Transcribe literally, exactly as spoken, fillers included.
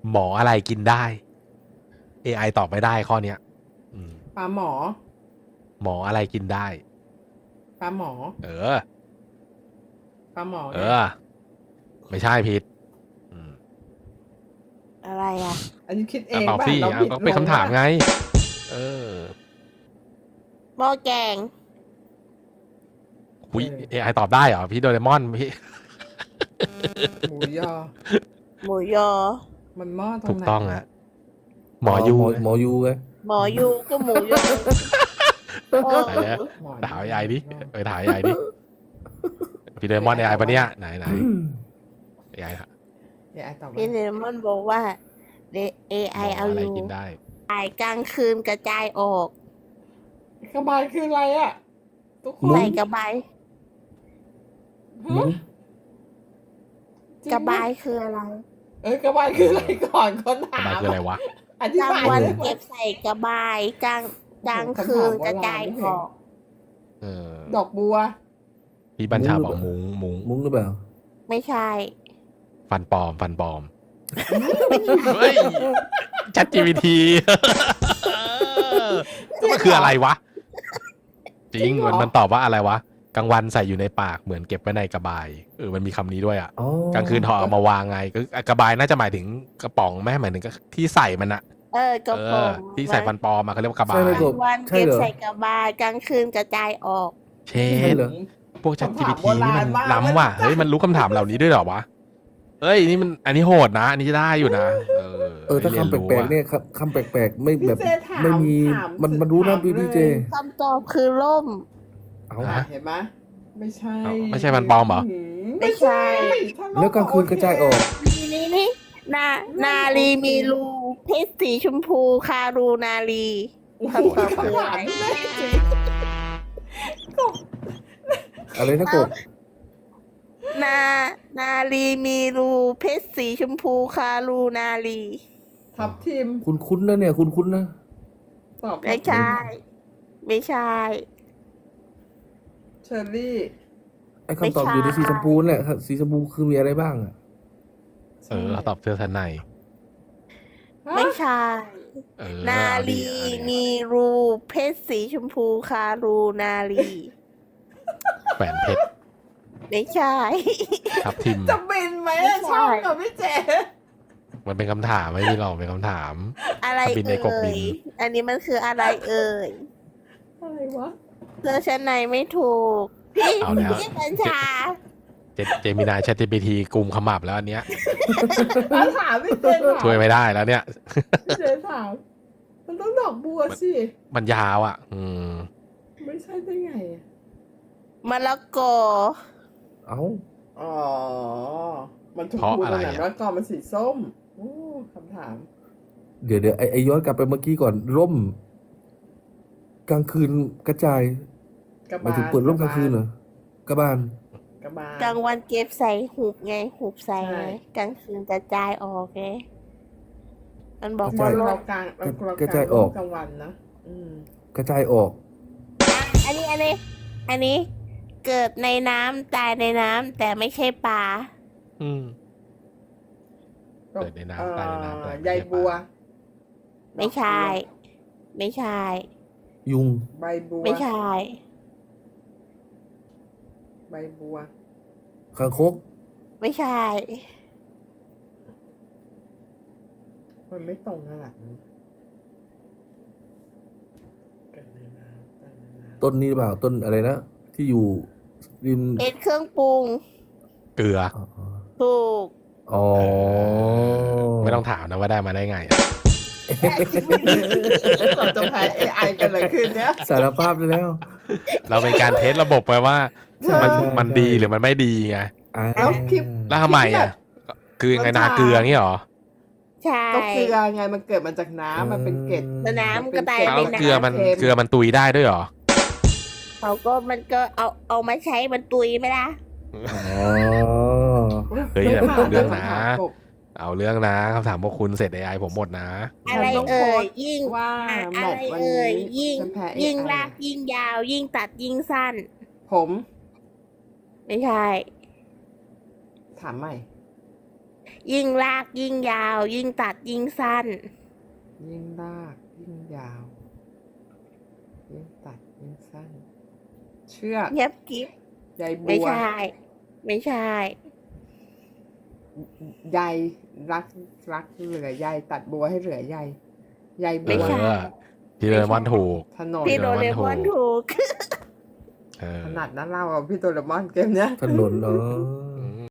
หมออะไรกินได้ เอ ไอ ตอบไม่ได้ข้อเนี้ยอืมปลาหมอหมออะไรกินได้ปลาหมอเออปลาหมอเออ ไม่ใช่ผิดอืมอะไรอ่ะอันนี้คิดเออ่ะงตอบป่ะสิเราอ่ะผิดก็เป็นคำถามไง เออหม้อแกงอุ้ย เอ ไอ ตอบได้เหรอพี่โดเรมอนพี่หมูยอหมูยอมันหม้อตรงถูกไหนต้องอะหมอยูหมอหมอยูไงหมอยูก็หมูยอเออไหนเนี่ยหมอถาม เอ ไอ ดิไปถาม เอ ไอ ดิพี่โดเรมอน เอ ไอ ปะเนี่ยไหนไหน เอ ไอ ฮะเอไอตอบพี่ว่าเลมอนบอกว่าเอไอหมอเอาอะอไรยู่กินได้ถ่ายกลางคืนกระจายออกกระบายคืออะไรอ่ะทุกคนใส่กระบายมุ้งจริงกระบายคืออะไรเอ้ยกระบายคืออะไรก่อนคนกระถาบายมคืออะไรวะอธิกลางบายวันเลยเก็บใส่กระบายกลางกลางคืนกระจายออกเออดอกบัวพี่บัญชาบอกมุ้งมุ้งมุ้งหรือเปล่าไม่ใช่ฟันปลอม ฟันปลอม เฮ้ย ชัด จี พี ที มันคืออะไรวะ จริง มันมันตอบว่าอะไรวะ กลางวันใส่อยู่ในปากเหมือนเก็บไว้ในกระบาย เออ มันมีคำนี้ด้วยอ่ะอ๋อกลางคืนถอดเอามาวางไงก็กระบายน่าจะหมายถึงกระป๋องไหมหมายถึงที่ใส่มันอะเออกระเอป๋ออง ที่ใส่ฟันปลอมมาเขาเรียกว่ากระบาใช่ยไหมกกลาบงวันใช่เก็บเหรอใส่กระบายกลางคืนกระจายออกเชใช่ดเหรอพวก Chat คำถามจี พี ที นี่มันโบราณมากล้ำว่ะมันเฮ้ย มันรู้คำถามเหล่านี้ด้วยเหรอวะ เอ้ย นี่มันอันนี้โหดนะ อันนี้จะได้อยู่นะ เออเออถ้ารียนคำแปรู้ลกอะๆเนี่ยครับคำแปลกๆไม่แบบพี่เจถามไม่มีถามมันมันรู้นะถามพี่เลยพี่เจคำตอบคือล่มเอาฮะเห็นไหมไม่ใช่เอ้าไม่ใช่ฟันปลอมเหรอไม่ใช่ถ้าแล้วกลางคืนกระจายออกนี่นี่นี่นานาลีมีรูเพชรสีชมพูคารูนาลีโอ้โหคำตอบคืออะไรแม่จริงอะไรนะกบนานาลีมีรูเพชรสีชมพูคารูนาลีทับทีมคุณคุ้นๆนะเนี่ยคุณคุ้นๆนะตอบไม่ใช่ ไม่ใช่เชอรี่ไอ้คำตอบอยู่ในสีชมพูนั่นแหละครับสีชมพูคือมีอะไรบ้างอ่ะเออเขาตอบเสื้อชั้นในไม่ใช่เออนาเอาดิลีเอาดิมีรูเพชรสีชมพูคารูนาลีแหวนเพชรไม่ใช่ทับทิมจะบินไหมไม่อะใช่ชอบกับพี่เจมันเป็นคำถามไม่มีหรอกเป็นคำถามอะไรบินในเอ่กบบินย อันนี้มันคืออะไรเอ่ยอะไรวะเธอชั้นในไม่ถูก พี่เอาแล้วพี่บัญชาเจเจมินาย Chat จี พี ที กลุ่มขมับแล้วอันเนี้ยอ่ะถามพี่เจถามช่วยไม่ได้แล้วเนี่ยพี่เจถาม มันต้องดอกบัวสิมันยาวอ่ะ อืมไม่ใช่ได้ไงอะมะละกอเอ้าอ๋อ มันถูกเพราะพูดอะไรตรงไหนอะแล้วก่อนมันสีส้มโอ้คำถามเดี๋ยวเดี๋ยวไอ้ไอ้ย้อนกลับไปเมื่อกี้ก่อนร่ม กลางคืนกระจายกระหมายบาถึงเปิดร่มกลางคืนเหรอ กระบาลกระบาลกลางวันเก็บใส่หุบไงหุบใส่ใช่ไงกลางคืนกระจายออกไงมันบอกกระว่าจายลเรามกลางเราเรากระจายออกกลางวันนะอืมกระจายออกอันนี้อันนี้ อันนี้ เกิดในน้ำตายในน้ำแต่ไม่ใช่ปลาอืม เกิดในน้ำตายในน้ำแต่ไม่ใช่ใยบัวไม่ใช่ ไม่ใช่ยุงใบบัวไม่ใช่ใบบัวคางคกไม่ใช่มันไม่ตรงขนาดนั้นเกิดในน้ำตายในน้ำต้นนี้หรือเปล่า ต้นอะไรนะ ที่อยู่ริมเป็นเครื่องปรุงเกลืออ๋อถูกอ๋อไม่ต้องถามนะว่าได้มาได้ไงเราจะแพ้ เอ ไอ กันเลยคืนเนี้ยสารภาพได้แล้วเราเป็นการเทสระบบไปว่าใช่มันใช่มันดีหรือมันไม่ดีไงอ่าเอ้าคลิปแล้วทำไมอ่ะ คือยังไงนาเกลืองี้เหรอใช่ก็เกลือไงมันเกิดมาจากน้ำมันเป็นเกล็ดแล้วน้ำก็ตายแล้วเป็นเกลือมันเค็มเกลือมันตุยได้ด้วยเหรอเขาก็มันก็เอาเอามาใช้มันตุยไหมล่ะอ๋อเฮ้ยไม่ผ่านเรื่องนะคำถามกบเอาเรื่องนะคำถามพวกคุณเสร็จ เอ ไอ ผมหมดนะอะไรฉันต้องเอ่โพสยต์ยิ่งว่าอะแมอะตไรช์วันเอ่ยนี้ยิ่งฉันแพ้ เอยิ่งไอลากยิ่งยาว ยิ่งตัดยิ่งสั้นผมไม่ใช่ถามใหม่ยิ่งลากยิ่งยาว ยิ่งตัดยิ่งสั้นยิ่งลากยิ่งยาว ยิ่งตัดยิ่งสั้น เชือกเงียบกิ๊บใยบัไม่วใช่ ไม่ใช่ใยรักรักเหลือใยตัดบัวให้เหลือใยใยเอบัวใช่อพี่โดเรมอนถูกถนนพี่โดเรมอนถูกเออถนัดนะเราอ่ะพี่โดเรมอนเกมเนี้ยถนนเออ